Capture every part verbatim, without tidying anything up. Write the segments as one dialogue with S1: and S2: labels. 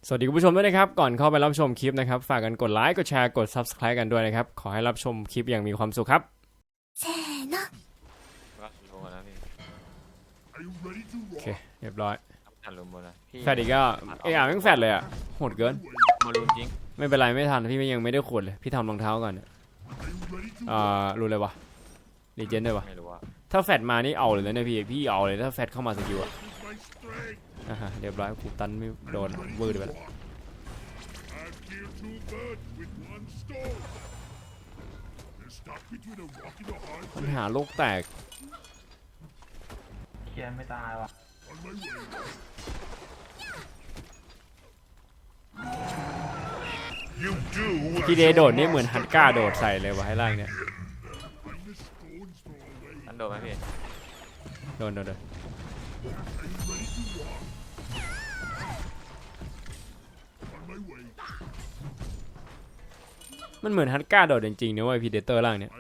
S1: สวัสดีคุณผู้ชมด้วยนะครับก่อนเข้าไปรับชมคลิปนะครับฝากกันกดไลค์กดแชร์กด ซับสไครบ์ กันด้วยนะครับขอให้รับชมคลิปอย่างมีความสุขครับ
S2: せーの
S3: ก็ลงแล้วพี่
S1: โอเคเรียบร้อย
S3: ทันลงบนนะพี่
S1: แฟดอีกก็เอออ่ะแม่งแฟดเลยอ่ะโหดเกิน
S3: มาลุนจริง
S1: ไม่เป็นไรไม่ทันพี่ยังไม่ได้ขวดเลยพี่ทำรองเท้าก่อนอ่ารู้เลยวะรีเจนได้ปะ
S3: ไม่รู้ว่า
S1: ถ้าแฟดมานี่เอาเลยนะพี่พี่เอาเลยถ้าแฟดเข้ามาสกิลอ่ะอ่ะเรียบร้อยกูตันไม่โดนวืดไปแล้วปัญหาโลกแตก
S4: เคียนไม่ตายว่ะ
S1: ทีเดโดดนี่เหมือนฮันก้าโดดใส่เลยวะให้ล่างเนี่ย
S3: อันโดนไหมพี่
S1: โดนโดนโดนมันเหมือนฮันก้าโดดจริงๆนะเว้ยพีเดเตอร์ล่างเนี่ย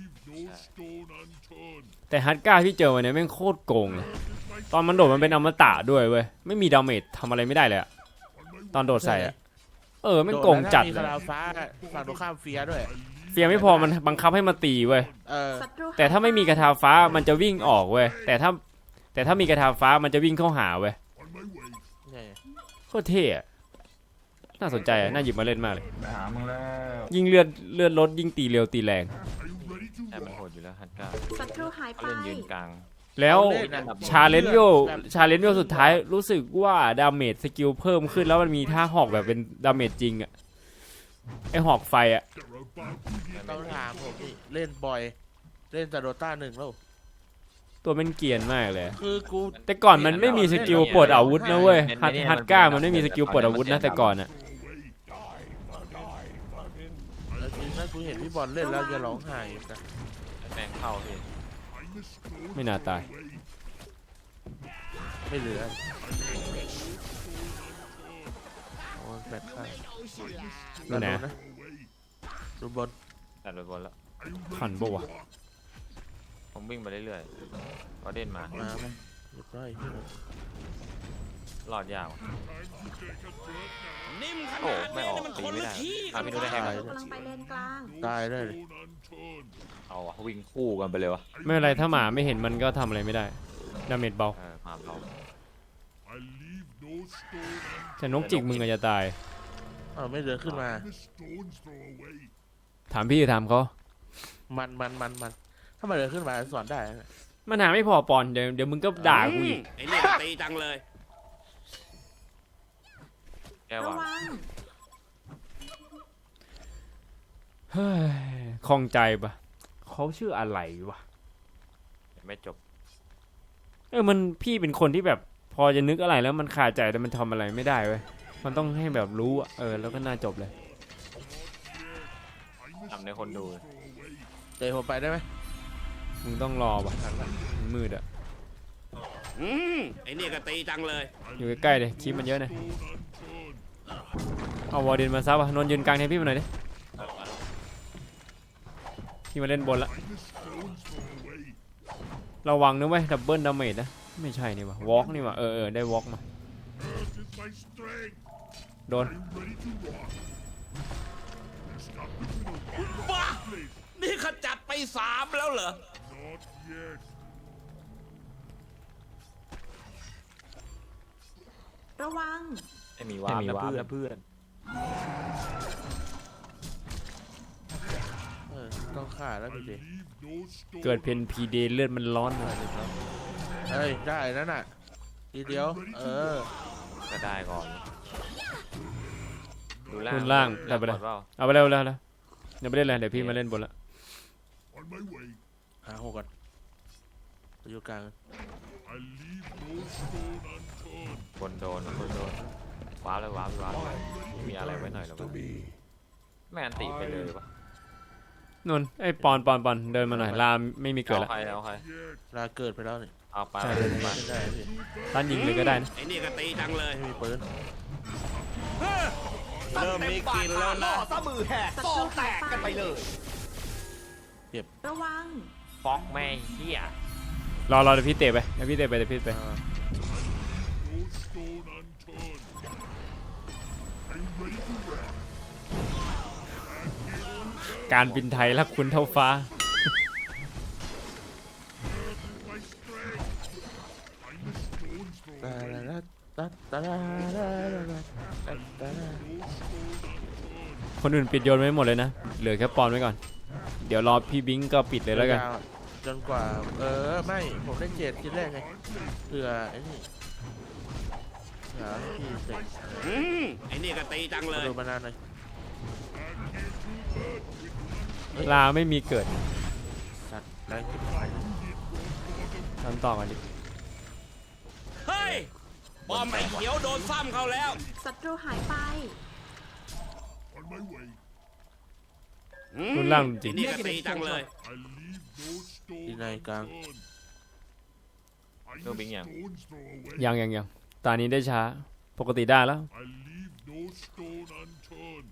S1: แต่ฮันก้าที่เจอวันนี้แม่งโคตรโกงเลยตอนมันโดดมันเป็นอมตะด้วยเว้ยไม่มีดาเมจทำอะไรไม่ได้เลยอะตอนโดดใส่อะเออแม่งโกงจัดเลย
S5: มีคาราฟ้าฝั่งตรงข้ามเฟียด้วย
S1: เฟียไม่พอมันบังคับให้มาตีเว้ยแต่ถ้าไม่มีกระทาฟ้ามันจะวิ่งออกเว้ยแต่ถ้าแต่ถ้ามีกระทาฟ้ามันจะวิ่งเข้าหาเว้ยโคตรเท่อะน่าสนใจอะน่าหยิบมาเล่นมากเลย
S4: หามึงแล้ว
S1: ยิ่งเลือดเลือดลดยิ่งตีเร็วตีแรง
S3: แต่มันโหดอยู่แล้วฮันก้า
S2: ศัตรูหายไป
S3: เล่นยืนกลาง
S1: แล้วชาเลนจ์วิวชาเลนจ์วิวสุดท้ายรู้สึกว่าดาเมจสกิลเพิ่มขึ้นแล้วมันมีท่าหอกแบบเป็นดาเมจจริงอะไอหอกไฟอะ
S5: ต้องถามผมนี่เล่นบ่อยเล่นแต่โดต้าหนึ่งแล้ว
S1: ตัวมันเกรียนมากเลย
S5: คือกู
S1: แต่ก่อนมันไม่มีสกิลปลดอาวุธนะเว้ยฮัตฮัตก้ามันไม่มีสกิลปลดอาวุธนะแต่ก่อนอะ
S5: แล้วทีนั้นกูเห็นพี่บอลเล่นแล้วจะร้องไห้นะ
S3: แมงเข้าพี่
S1: ไม่น่าตาย
S5: ไม่เหลือโอ้แบตข้าง
S1: นั่นแหละ
S5: ดูบอล
S3: ตัดไปบนแล้ว
S1: ขันปะวะ
S3: ผมวิ่งไปเรื่อยๆก็เด่นมา
S5: มาไหมเรียบร้อย
S3: หลอดยาวโอ้ไม่ออกตีไม่ได้อ่ะพี่ดูได้แฮงเลย
S2: กำลังไปเลนกลาง
S5: ตายได้
S3: เอาวะวิ่งคู่กันไปเลยวะ
S1: ไม่เป็นไรถ้าหมาไม่เห็นมันก็ทำอะไรไม่ได้ดาเมจเบา
S3: หมาเบา
S1: แต่นกจิกมึงอาจจะตาย
S5: เออไม่เดินขึ้นมา
S1: ถามพี่ถามเขา
S5: มันมันมันมันถ้ามันเดินขึ้นมาสอนได้
S1: มันหาไม่พอปอนเดี๋ยวเดี๋ยวมึงก็ด่ากูอีก
S6: ไอ้นี่ตีจังเลย
S3: แกว่า
S1: เฮ้ยคล่องใจปะเขาชื่ออะไรวะ
S3: ไม่จบ
S1: เออมันพี่เป็นคนที่แบบพอจะนึกอะไรแล้วมันขาดใจแต่มันทำอะไรไม่ได้เว้ยมันต้องให้แบบรู้อ่ะเออแล้วก็น่าจบเลย
S3: ทำในคนดู
S5: เตะผมไปได้ไหม
S1: มึงต้องรอปะมันมืดอ่ะ
S6: อืมไอ้นี่ก็ตีจังเลย
S1: อยู่ใกล้ๆเลยคลิปมันเยอะนะเอาวอร์ดินมาซับอ่ะนนยืนกลางให้พี่มาหน่อยดิพี่มาเล่นบนละระวังนะเว้ยดับเบิลดาเมจนะไม่ใช่นี่วะวอล์กนี่วะเออเออได้วอล์กมาโดน
S6: บ้านี่ขจัดไปสามแล้วเหรอ
S2: ระวัง
S3: ไม่มีวาร์ปนะเพื่อนเพื่อน
S5: ต้องฆ่าแล้วพี่เจ
S1: เกิดเพนพีเดเลือดมันร้อนเลย
S5: เฮ้ยได้นั่นน่ะทีเดียวเออ
S3: ก็ได้ก่อน
S1: ดูล่างได้ไปเลยเอาไปเร็วแล้วแล้วอย่าไปเล่นเลยเดี๋ยวพี่มาเล่นบนละ
S5: หาหกกันอยู่กลาง
S3: บนโดนบนโดนว้าวเลยว้าวว้าวมีอะไรไว้หน่อยหรอวะแม่อันตีไปเลยปะ
S1: นนไอ้ปอนปอนปอนเดินมาหน่อยลาไม่มีเกิดแล้ว
S3: ใครแล้วใคร
S5: ลาเกิดไปแล้วนี่
S3: เอาไป
S5: ไม่ได้พี่
S1: ท่านยิงเลยก็ได้นะ
S6: ไอ้นี่ก็ตีจังเลย
S5: ไม่มีปืน
S6: เริ่มมีกินแล้วนะซะมือแหกซอกแตกกันไปเลย
S5: เก็บ
S2: ระวัง
S3: ฟอกแม่เหี้ย
S1: รอรอเดี๋ยวพี่เตะไปเดี๋ยวพี่เตะไปเดี๋ยวพี่เตะไปการบินไทยรักคุณเท่าฟ้า
S5: ตาลาตาตาลาลาลาตาตาลา
S1: คนอื่นปิดโยนไว้หมดเลยนะ เหลือแค่ปอนไว้ก่อน เดี๋ยวรอพี่บิงก็ปิดเลยแล้วกัน
S5: จนกว่าเออไม่ผมเล่นเจ็ดทีแรกไงเผื่อไอ้นี่เผื่อพี่เสร็จ
S6: อืมไอ้นี่ก็ตีจังเล
S5: มาย ดูมานานหน่อย
S1: ลาไม่มีเกิด
S5: สัตว์แรง
S1: ทำต่อกันดิ
S6: เฮ้ยบอมไอ้เขียวโดนซ้ำเขาแล้ว
S2: ศัตรูหายไป
S6: อืม
S1: รุนแรงจริง
S6: ไอ้นี่ก็ตีจังเลย
S5: ดีในกลาง
S3: โนบิงอย่าง
S1: ยังยังยังตอนนี้ได้ช้า ปกติได้แล้ว
S7: I leave no stone unturned.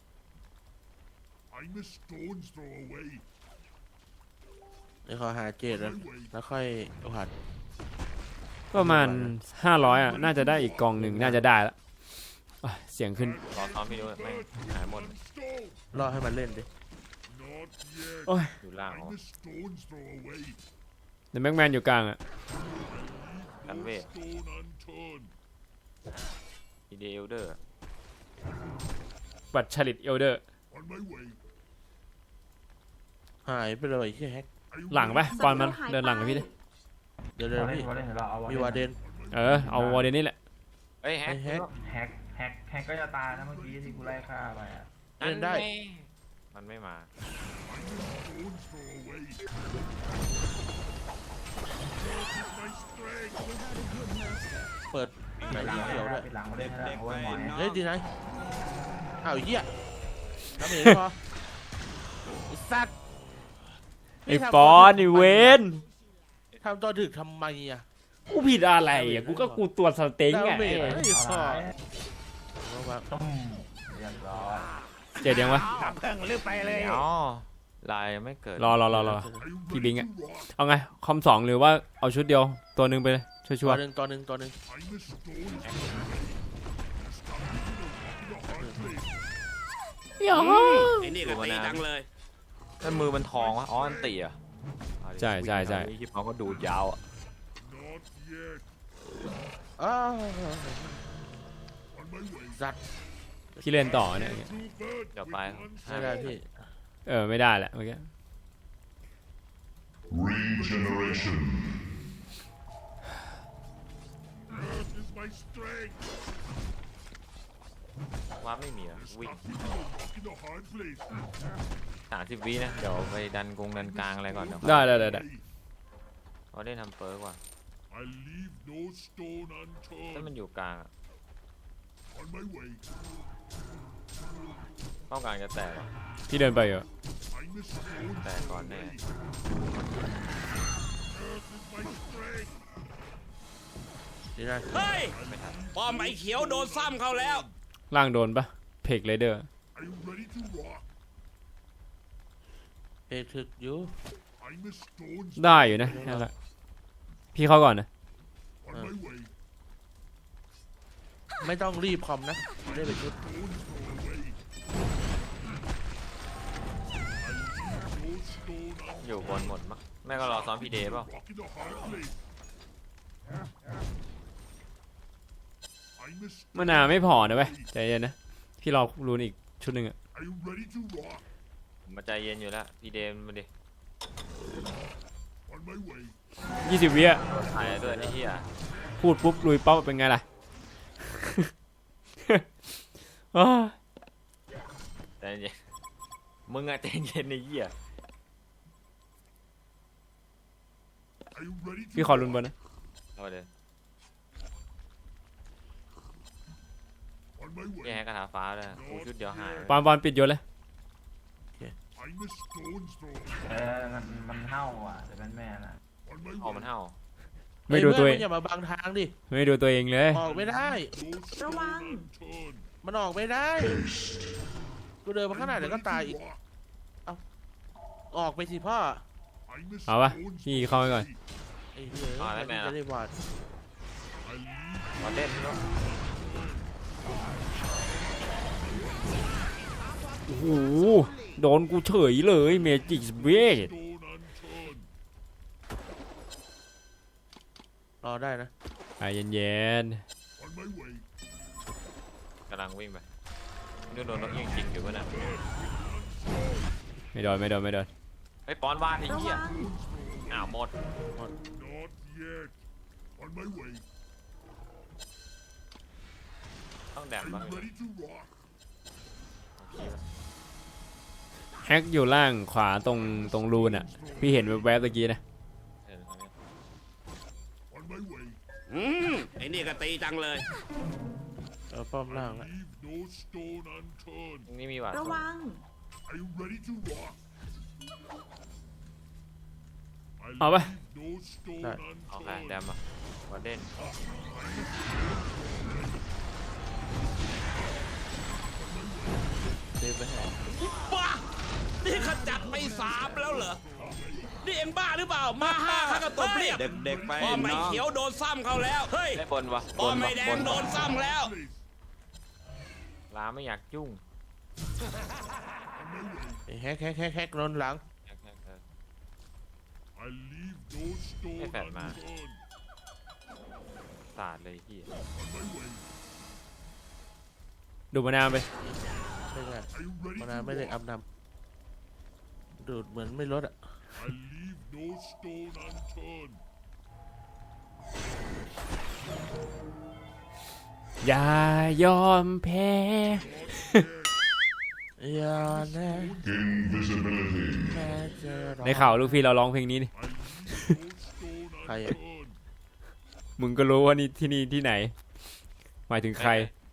S7: I'm a stone's throw away.
S5: เดี๋ยวขอหาเจ็ดแล้วแล้วค่อยผัด
S1: ประมาณห้าร้อยอ่ะ น่าจะได้อีกกองหนึ่งน่าจะได้แล้วอ่ะเสียงขึ้น
S3: รอซ้อมพี่ดูไม่งหายหมด
S5: รอให้มันเล่นดิ
S7: Not yet.
S1: โอ้ย
S3: อยู่ล่างเหรอ
S7: I'm a stone's throw away.
S1: เดี๋ยวแม็กแมนอยู่กลางอ่ะ
S3: กันเวท
S7: Stone unturned.
S3: อีเดลเดอร์
S1: บัตรชลิตเอลเดอร์
S7: On my way.
S5: หายไปเลยที่แฮก
S7: Are you
S1: หลัง
S7: ready?
S1: ปะปอนมันเดินหลังกับพี่ดิ
S5: เดี๋ยวเดี๋ยว
S4: เราเล่น
S5: พี่
S4: เราเล่นเดี๋ยวเราเอา
S5: มีวาเดน
S1: เออ เอาวอร์เดนนี่แหละ
S3: เอ้ยแฮ
S5: ไอ้
S3: ก
S5: แฮก
S4: แฮกแฮกแฮกก็จะตายนะเมื่อกี้ที่กูไล่ฆ่าไปอ่ะ
S5: เล่นได้
S3: มันไม่มา
S7: Stone's throw away. My strength.
S5: เปิดไหน
S4: ปิดหลัง
S5: เขียวด้วย
S4: ปิดหลังมาได้แล้วเอาไว้หมอย
S5: เฮ้ยดีไหนอ้าวเหี้ยทำเองพอไอ้สัตว์
S1: ไอ้ปอนไอ้เวน
S5: ทำตัวถึกทำไมอ่ะ
S1: กูผิดอะไรอ่ะ กูก็กูตัวจสเต็งไง
S5: ดาเมจไม่
S4: เอา
S5: พอ
S4: ไว้
S5: เอาวาง
S4: ตุ้มเรียบร้อย
S1: เจ็ดยังวะ
S3: อ๋อลายยังไม่เกิด
S1: รอรอรอรอ
S7: Are you
S1: พี่
S7: ready
S1: บิง
S7: to
S1: อะ
S7: rock?
S1: เอาไง คอมสองหรือว่าเอาชุดเดียว ตัวหนึ่งไปเลย ชั
S5: ตัว
S1: วร์
S5: หนึ่งตัวหนึ่งตัวหนึ่ง
S7: I'm a stone's throw away. Stuck in a rock in a hard place.
S1: ๆ
S6: ไอ้นี่ก็ตีจังเลย
S3: นั่นมือมันทองวะอ๋ออันตีอ่ะ
S1: ใช่ใช่ใช่
S3: คลิปเขาก็ดูดยาวอ่ะ
S7: Not yet.
S5: อ้าว
S7: On my way.
S5: สัตว์
S1: พี่เล่นต่อเนี่ย
S7: Two birds
S3: เดี๋ยว
S7: with
S3: ไป
S7: one
S5: ไม่ได้พี่
S1: เออ ไม่ได้แหละเมื่อกี้
S7: Regeneration. Earth is my strength.
S3: ว่าไม่มีอ่ะวิ่ง
S7: Stuck in a rock in a hard place.
S3: สามสิบวินะ เดี๋ยวไปดันกงดันกลางอะไรก่อนเดี๋ยว
S1: ได้ได้ได้ได้
S3: เขาได้ทำเปิร์กว่ะ
S7: I leave no stone
S3: ถ้ามัน
S7: unturned.
S3: อยู่กลางอะ
S7: On my way.
S3: เข้ากลางจะแตกอะ
S1: พี่เดินไปเหรอ
S7: I'm a stone's
S3: แตกก่อนแน่
S7: away. Earth is my strength.
S5: ดีนะ
S6: เฮ้ย
S3: ไม่ทัน
S6: บอมไอ้เขียวโดนซ้ำเขาแล้ว
S1: ล่างโดนปะเพกเลเดอร์
S7: Are you ready to rock?
S5: เพลถึกอยู่
S7: I'm a stone's
S1: ได้อยู่นะนั่นแหละพี่เข้าก่อนนะ
S7: on my way.
S5: ไม่ต้องรีบคอมนะได้ไปชุด
S7: Stone's throw away. I leave no stone
S3: อยู่บนหมดมั้งแม่ก็รอซ้อมพีเดย์เปล่า
S7: rock in a hard place. I'm a
S1: มะนาวไม่พอนะเว้ยใจเย็นนะ พี่รอรูนอีกชุดหนึ่งอะ
S7: Are you ready to rock?
S3: ผมมาใจเย็นอยู่แล้วพีเดย์มาดิ
S7: On my way.
S1: ยี่สิบวิอะ
S3: ถ่ายด้วยไอ้เหี้ย
S1: พูดปุ๊บลุยปั๊บเป็นไงล่ะ อ้าว
S3: ใจเย็นมึงอะใจเย็นไอ้เหี้ย
S7: Are you ready to
S1: พี่ขอรุนบนนะ
S3: เอาเลย
S7: On my
S3: พี่
S7: way.
S3: ให้กระถาฟ้าเลยกูชุดเดียวหาย
S1: ปอนปอนปิดโยนเลย
S7: I'm a stone's throw.
S4: เออมันมันเห่าอ่ะแต่เป็นแม่นะ
S7: On my
S3: เอามัน
S7: way.
S3: เห่า
S1: ไม่ดูตัวเอ
S5: เฮ้ย
S1: ง
S5: เพื่อนมึอย่ามาบังทางดิ
S1: ไม่ดูตัวเองเลย
S5: ออกไม่ได้
S7: No stone
S2: Rowan.
S7: unturned.
S5: มันออกไม่ได้กูเดินมาข้างหน้า
S7: I'm
S5: เดี๋ยวก็
S7: ready
S5: ตาย
S7: to
S5: อีก
S7: rock.
S5: ออกไปสิพ่อ
S7: I'm a
S1: เอาปะ
S7: stone's
S1: พี่
S7: throw
S1: เข้าไปก่อน
S7: away.
S5: ไอ้เหี้ยจะได้วาด
S7: I leave
S3: มาเล่นเนาะ
S1: โหโดนกูเฉยเลยเมจิกเวท
S5: รอได้นะ
S1: ใจเย็น
S7: On my way.
S3: กำลังวิ่งไปนู่นโดนนกยิงจริงอยู่วะน่ะ
S1: ๆไม่โดนไม่โดนไม่โดน
S3: ไอ้ยปอนวาดไอ้
S2: ระ
S3: เหี้ย
S2: วัง
S3: อ้าวหมด
S7: Not yet. On my way.
S3: ต้องแด
S7: Are
S3: ม
S7: you
S3: บ้าง
S7: ready to rock?
S1: แฮกอยู่ล่างขวาตรงตรงรูนอ่ะพี่เห็นแวบๆตะกี้นะ
S3: เออเอาเนี่ย
S7: On my way.
S6: อืมไอ้นี่ก็ตีจังเลย
S5: เออป้อมล่างละ
S7: Leave no stone unturned.
S3: ตรงนี้มีหวาด
S2: ระวัง
S7: Are you ready to rock? I
S1: เอาปะ
S7: leave no stone
S3: เอาใคร
S7: unturned.
S3: แดมอ่ะวอร์เดน
S5: เซฟไปให้
S6: บ้า นี่ขจัดไปสามแล้วเหรอ นี่เอ็งบ้าหรือเปล่า มาห้าข้าก็ตบเรียบ
S8: เด็กๆไป
S6: ป้อมไม่เขียวโดนซ้ำเขาแล้ว เฮ้ย
S3: ไอ้บนวะบ
S6: ป้อม
S3: น
S6: ไม่
S3: วะ
S6: แด
S3: บ
S6: ง
S3: น
S6: โด
S3: วะ
S6: นซ้ำแล้ว
S3: ลาไม่อยากยุ่ง
S5: ไอ้แฮกแฮกแฮกแฮกโดนหลัง
S3: แฮกแฮกเออ
S7: I leave no stone
S3: Hey, Fat Man.
S7: unturned.
S3: สาดเลยที่
S7: On my way.
S1: ดูมานาวไป
S5: ไม่ได้
S7: Are you ready
S5: มา
S7: to
S5: นาไม่ได้
S7: rock?
S5: อัพนำดูดเหมือนไม่ลดอ่ะ
S7: I leave no stone unturned.
S1: อย่ายอมแพ้
S5: อย่าแน่แม่เจอเรา
S1: ในข่าวลูกพี่เราร้องเพลงนี้นี่
S7: I leave no stone
S5: ใครอ่ะ
S7: unturned.
S1: มึงก็รู้ว่านี่ที่นี่ที่ไหน หมายถึงใคร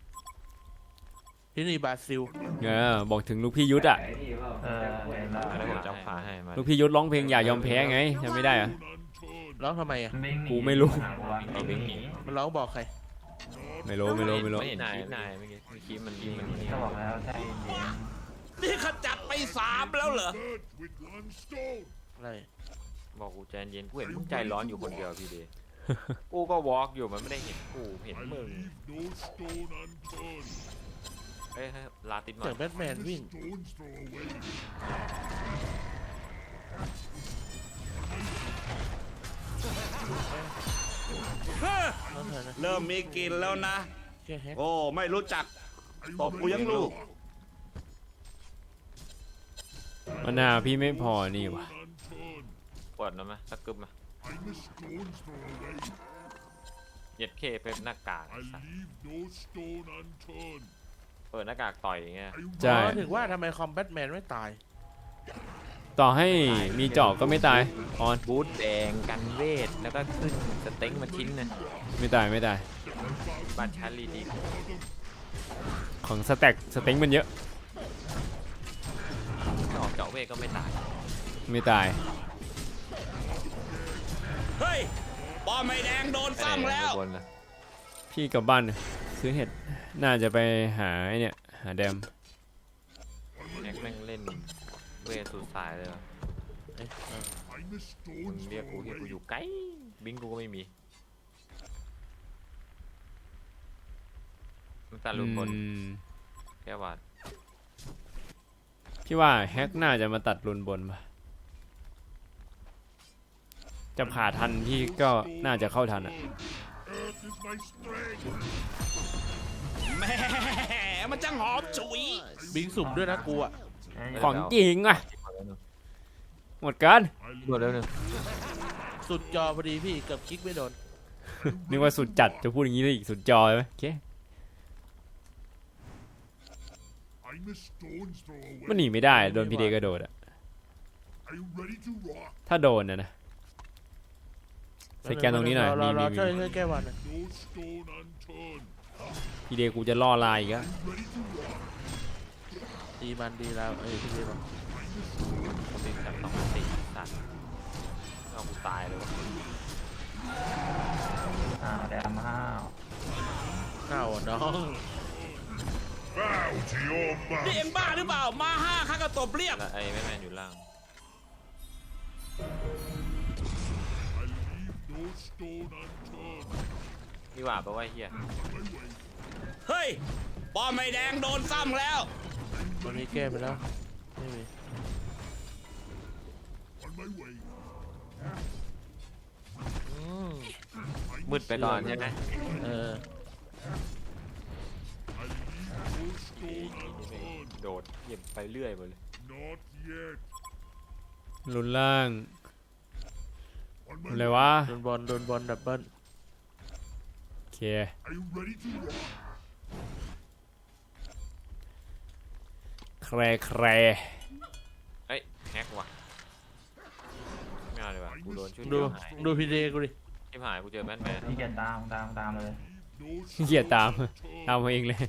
S5: ที่นี่บราซิล
S1: เออบอกถึงลูกพี่ยุทธอ่ะ
S4: เออเห็นแล้ว
S3: แล้วผมจะเอาขาให้มา
S1: ลูกพี่ยุทธร้องเพลงอย่ายอมแพ้ไงจำไม่ได้เหรอะ
S7: Unturned.
S5: ร้องทำไมอ่ะ
S4: วิ่งหนี
S1: กูไม่รู้
S3: เอาวิ่งหนี
S5: มันร้องบอกใคร
S1: ไม่รู้ไม่รู้ไม่รู้
S3: ไม่เห็นคลิปนายเมื่อกี้เมื่อกี้มันยิงมันนี่
S4: ก็บอกแล้วใจเย็น
S6: นี่ขจัดไปสามแล้วเหรอ
S7: Bird with one stone.
S5: อะไร
S3: บอกกูใจเย็นกูเห็นมึงใจร้อนอยู่คนเดียวพี่เดย์ กูก็วอล์กอยู่มันไม่ได้เห็นกูเห็น
S7: I
S3: มึง
S7: leave no stone unturned.
S3: เอ้ยลาติดหน่อ
S5: เสีย
S3: ย
S5: งแบทแมน
S7: The
S5: วิ่ง
S7: stones throw away.
S5: น้องเธอนะ
S6: เริ่มมีกลินแล้วนะ
S5: แค่แฮก
S6: โอ้ ไม่รู้จัก
S7: Are you
S6: ตบกู
S7: ready
S6: ยัง
S7: to
S6: ลูก
S7: rock?
S1: มะนาวพี่ไม่พอนี่วะ
S7: Unturned.
S3: เปิดนะมะสักกึบมา
S7: I the stones throw away.
S3: เหย็ดเคเป็นหน้ากากไอ้
S7: I
S3: สัส
S7: leave no stone unturned.
S3: เปิดหน้ากากต่อยอย่างเงี้ย
S7: Are you
S1: ใช่
S5: อ๋อถึงว่าทำไมคอมแบทแมนไม่ตาย
S1: ต่อให้มีจอบก็ไม่ตายออน
S3: บูทแดงกันเวทแล้วก็ขึ้นสเต็งมาชิ้นหนึง
S1: ไม่ตายไม่ตาย
S3: บาดชาลีดี
S1: ของสแต็กสเต็งมันเยอะ
S3: ถ้าออกเจาะเวทก็ไม่ตาย
S1: ไม่ตาย
S6: เฮ้ย ป้อมไม่แดงโดนซ้ำแล้ว
S3: บนนะ
S1: พี่กลับบ้านซื้อเห็ดน่าจะไปหาไอ้เนี่ยหาแดม
S3: แม็กแม่งเล่นเวทสุดสายเลยว่ะ
S5: เอ๊ะเออ
S7: I the
S3: มึง
S7: stones
S3: เรียก
S7: throw
S3: กูเรียกกู
S7: away.
S3: อยู่ไกลบิงกูก็ไม่มีมันตาลุมบน
S1: อืม
S3: แค่ว่า
S1: พี่ว่าแฮกน่าจะมาตัดรุนบนปะจะผ่าทันพี่ก็น่าจะเข้าทันอ่ะ
S7: Earth is my strength.
S6: แหม่มันจังหอมฉุย
S5: บิงสุ่มด้วยนะกูอ่ะ
S1: ของจริงอ่ะ หมดกัน
S7: I
S3: รวดแล้วหนึ่ง
S5: สุดจอพอดีพี่เกือบคลิกไม่โดน
S1: นึกว่าสุดจัดจะพูดอย่างนี้ได้อีกสุดจอยไหมโอเค
S7: I the stones throw away.
S1: มันหนีไม่ได้โดนพีเดกระโดดอ่ะ
S7: Are you ready to rock?
S1: ถ้าโดนนะนะสแกนตรงนี้หน่อย
S5: รอ
S1: มี
S5: รอ
S1: มี
S5: ช่วย
S1: มี
S5: ช่วยแก้วันหน่อย
S7: No stone unturned.
S1: พีเดกูจะล่อลายอีกอะ
S7: Ready to rock?
S5: ดีมันดีแล้วเอ้ยพี่เรียกว่า
S3: คนบิงจับสองสี่สัตว์เอากูตายเลยวะ
S4: อ้าวแดมห้าว
S5: ข้าวอ่ะน้อง
S7: Bow to your
S6: นี่
S7: master.
S6: เอ็งบ้าหรือเปล่า มาห้าข้าก็ตบเรียบ
S3: แล้วไอ้แม่แมนอยู่ล่าง
S7: I leave no stone unturned.
S3: นี่หว่าแปลว่าเฮีย
S7: My way.
S6: เฮ้ย ป้อมไม่แดงโดนซ้ำแล้ว
S7: Are you
S5: วันนี้แก้ไปแล้วไม่มี
S7: On my way.
S5: อืม
S3: มืดไปก่อนใช่ไหม
S5: เออ
S7: I leave no stone unturned.
S3: โดดเหยียบไปเรื่อยหมดเลย
S7: Not yet.
S1: ลุนล่าง
S7: On
S1: อะไร
S7: my
S1: วะ
S5: โดนบอลโดนบอลดับเบิ้ล
S1: โอเค
S7: Are you ready to rock?
S1: แครแคร
S3: เฮ้ยแฮกว่ะไม่เอาเลยว่ะกูโดนชุด
S5: ดู
S3: เดียวหาย
S5: ดูพีเดกูดิ
S3: ชิบหายกูเจอแบทแมน
S4: ที่เกียจตามตามตามเลย
S7: No
S1: เกียดตาม
S7: stone
S1: ตามมาเองเลย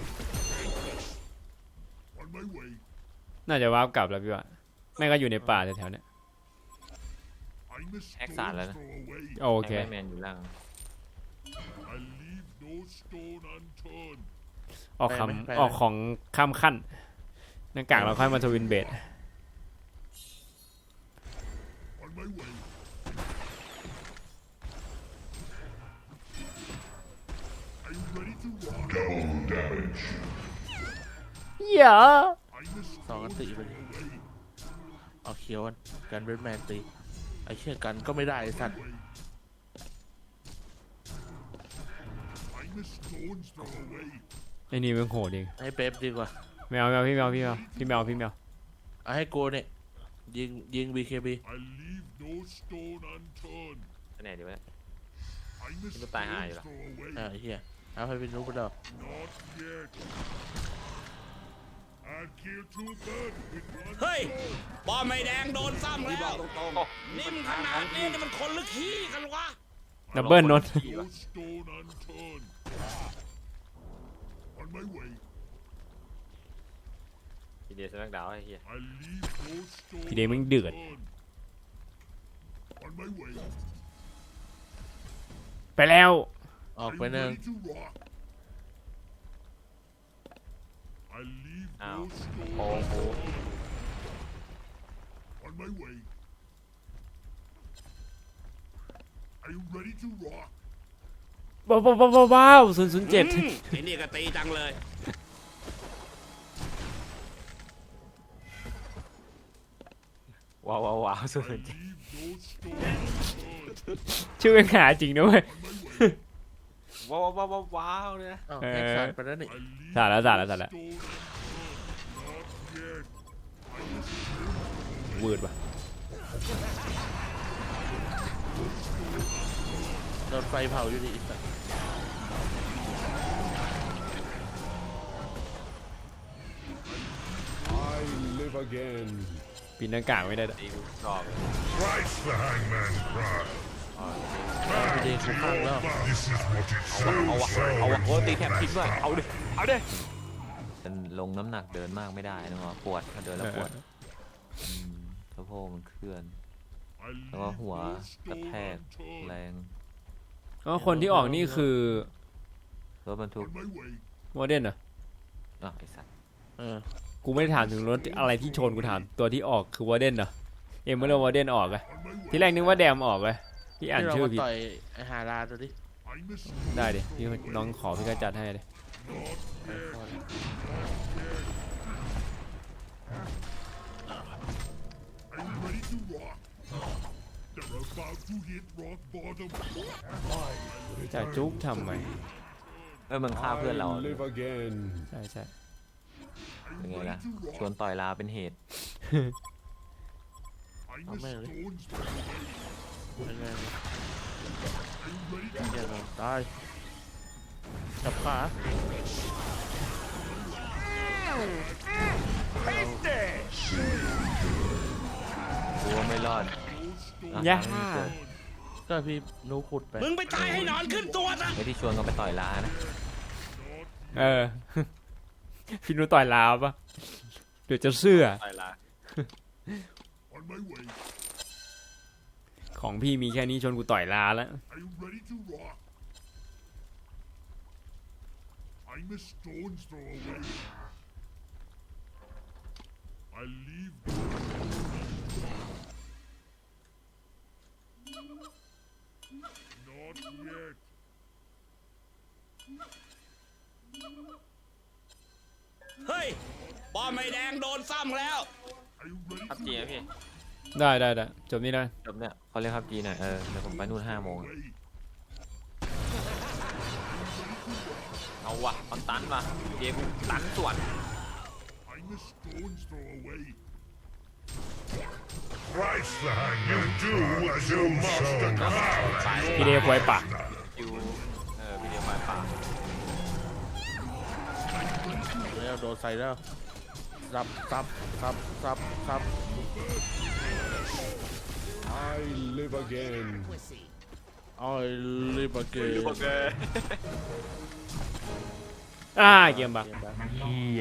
S7: On my way.
S1: น่าจะวาร์ปกลับแล้วพี่ว่าแม่งก็อยู่ในป่าแถวๆเนี้ย
S7: I'm a
S3: Hack
S7: stone's
S3: สารแล้วนะ
S7: throw away.
S1: โอเค
S3: แบทแมนอยู่ล่าง
S7: I leave no stone unturned.
S1: ออกคำออกของข้ามขั้นหน้ากากเราค่อยมาทวินเบด
S7: On my way. Are you ready to rock? Double damage.
S1: อย่า
S7: I'm a
S5: สองอัน
S7: stone
S5: ติไป
S7: throw
S5: ดิ
S7: away.
S5: เอาเขียวกันกันเบทแมนตีไอ้เชี่ยกันก็ไม่ได้ไอ้สัตว์
S7: I'm a stone's throw away.
S1: ไอ้นี่มันโหดเอง
S5: ให้เป๊ปดีกว่า
S1: ไม่เอาไม่เอาพี่ไม่เอาพี่ไม่เอาพี่ไม่เอาพี่ไม่เอา
S5: เอาให้โกเนี่ยยิงยิงบีเคบี
S7: I leave no stone unturned.
S3: ไปไหนดีวะ
S7: I'm a
S3: Nó tai hại
S7: stone's
S3: rồi.
S7: throw away.
S5: อ่าไอ้เหี้ยเอาให้เป็นรู้ไปดอก
S7: Not yet. I'll kill two birds with one
S6: เฮ้ย
S7: stone.
S6: บอไม่แดงโดนซ้ำแล้วนิ่มขนาดนี้นี่มันคนหรือขี้กันวะ
S1: ดับเบิลนน
S7: No stone unturned. On my way.
S3: ทีเดียวสแมกดาวน์ไอ้เหี้ย
S7: I leave no stone
S1: พี่เดมึงเดือด
S7: unturned. On my way.
S1: ไปแล้ว
S5: ออก
S7: Are
S5: ไป
S7: you
S5: หนึ่ง
S7: ready to rock? I leave no
S3: Ow.
S7: stone
S3: Oh, oh.
S7: unturned. On my way. Are you ready to rock?
S1: ว้าวว้าวว้าวว้าวศูนย์ศูนย์เจ็ด
S6: อืมไอ้นี่ก็ตีจังเลย
S3: ว้าวว้าวว้าวสุด
S7: I leave no stone unturned.
S1: ชื่อเป็นหาจริงด้วย
S3: ว้าวว้าวว้าวว้าวเลยนะ
S5: อ้าว
S1: เออ
S5: แฮกสายไปแล้วนี่
S7: I leave
S1: สาดแล้วสาด
S7: no
S1: แล้วสาดแล้ว
S7: stone unturned. Not yet.
S1: วืดว่ะ
S5: โดนไฟเผาอยู่ดิอีสัตว์
S7: I live again.
S1: ปีนหน้ากากไม่ได้ด้วย
S3: ตีกูรอบ
S7: Christ the hangman cry.
S5: พีเดกูข้างแล้ว
S7: This is what it
S3: เอาวะ
S7: sounds
S3: เอาวะ
S7: like.
S3: โอ้ตีแทบทิ้งด้วยเอาดิเอาดิมันลงน้ำหนักเดินมากไม่ได้นะวะปวดถ้าเดินแล้วปวดอืมสะโพกมันเคลื่อน
S7: I
S3: แล้วก็
S7: leave
S3: หัว
S7: no
S3: กระ
S7: stone
S3: แทกแร
S7: unturned.
S3: ง
S1: ก็คนที่ออกนี่คือ
S3: รถบรรทุก
S7: On my way.
S1: วอร์เดนเหรอ
S3: อ่ะไอ้สัตว์
S5: เออ
S1: กูไม่ได้ถามถึงรถอะไรที่ชนกูถามตัวที่ออกคือวอร์เดนเหรอเอ็มเมอร์วอร์เดนออกอะ
S7: On my way.
S1: ที่แรกนึกว่าแดมออกเลยพี่อ่าน
S5: ที่เรา
S1: ชื่อ
S5: มา
S1: ผิด
S5: ต่อยไอ้ฮาราดูดิ
S7: I'm a stone
S1: ได้ดิพี่น้องขอพี่ก็จัดให้เลย
S7: not yet. Are you ready to rock? They're about to hit rock bottom.
S1: จะจุ๊บทำไม
S3: เอ้ยมึงฆ่าเพื่อนเรา
S7: live again.
S1: ใช่ใช่
S3: เป็นไงล่ะชวนต่อยลาเป็นเหตุ
S7: I'm
S5: Oh,
S7: a
S5: man.
S7: stone's throw away.
S5: เป็นไง
S7: Are you ready to
S5: เหี้ยโดนตายจับขา
S3: กูว่าไม่รอด
S7: no stone
S1: ย่า
S5: ก็พี่นูขุดไป
S6: มึงไปตายให้หนอนขึ้นตัวซะ
S3: ไอ้ที่ชวนกันไปต่อยลานะ
S1: เออ พี่นุต่อยลาวปะเดี๋ยวจะเสื้อ
S3: ต่อยลา
S7: on my way.
S1: ของพี่มีแค่นี้ชนกูต่อยลาแล้ว
S7: Are you ready to rock? I'm a stone's throw away. I leave. Not yet.
S6: เฮ้ยป้อมไม่แดงโดนซ้ำแล้ว
S3: พับจีนะพี่
S1: ได้ได้ได้จบนี้ได้
S3: จบเนี่ยเขาเรียกพับจีหน่อยเออเดี๋ยวผมไปนู่นห้าโมงเอาวะเอาตันมาเกมตันส่วน
S7: I'm a stone's throw away.
S8: Christ, you do as you must command.
S1: พี่เดย์ควยปะ
S3: อยู่เออวิดีโอไฟป่า
S5: แล้วโดนใส่แล้วซับซับซับซับซับ
S7: I live again.
S5: อ้อยลิบเก
S1: อ่าเกมบัก
S5: เกมบัก
S4: เฮีย